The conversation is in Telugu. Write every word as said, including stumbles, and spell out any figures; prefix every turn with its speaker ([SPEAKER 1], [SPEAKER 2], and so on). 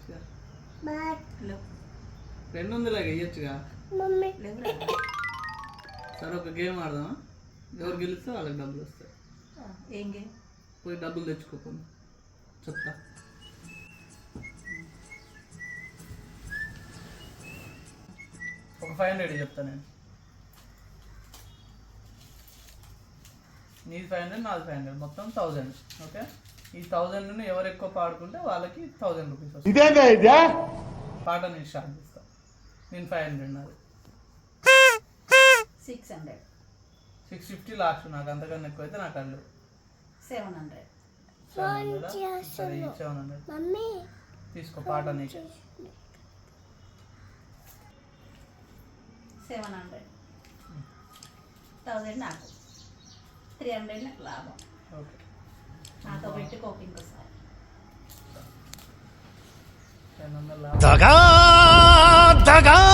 [SPEAKER 1] వేయచ్చుగా రెండు వందలకి వేయచ్చుగా సరే ఒక గేమ్ ఆడదామా ఎవరు గెలిస్తే వాళ్ళకి డబ్బులు వస్తాయి
[SPEAKER 2] ఏం గేమ్
[SPEAKER 1] పోయి డబ్బులు తెచ్చుకోకుండా చెప్తా ఒక ఫైవ్ హండ్రెడ్ చెప్తా నేను నీది ఫైవ్ హండ్రెడ్ నాది ఫైవ్ హండ్రెడ్ మొత్తం థౌజండ్ ఓకే ఈ థౌజండ్ ఎవరు ఎక్కువ పాడుకుంటే వాళ్ళకి థౌజండ్ రూపీస్ వస్తాయి పాట నేను స్టార్ట్ చేస్తా నేను ఫైవ్ హండ్రెడ్ నాది
[SPEAKER 2] six hundred
[SPEAKER 1] six fifty last నాకు అంతకన్నా ఎక్కువ అయితే నాకు అల్లు
[SPEAKER 2] సెవెన్ హండ్రెడ్
[SPEAKER 1] సెవెన్ హండ్రెడ్ సరే సెవెన్ హండ్రెడ్ తీసుకో పాట నీకు
[SPEAKER 2] సెవెన్ హండ్రెడ్ థౌజండ్ నాకు త్రీ హండ్రెడ్ నాకు లాభం
[SPEAKER 1] ఓకే
[SPEAKER 2] నాతో పెట్టుకోక ఇంకోసారి
[SPEAKER 1] టెన్ హండ్రెడ్ లాభం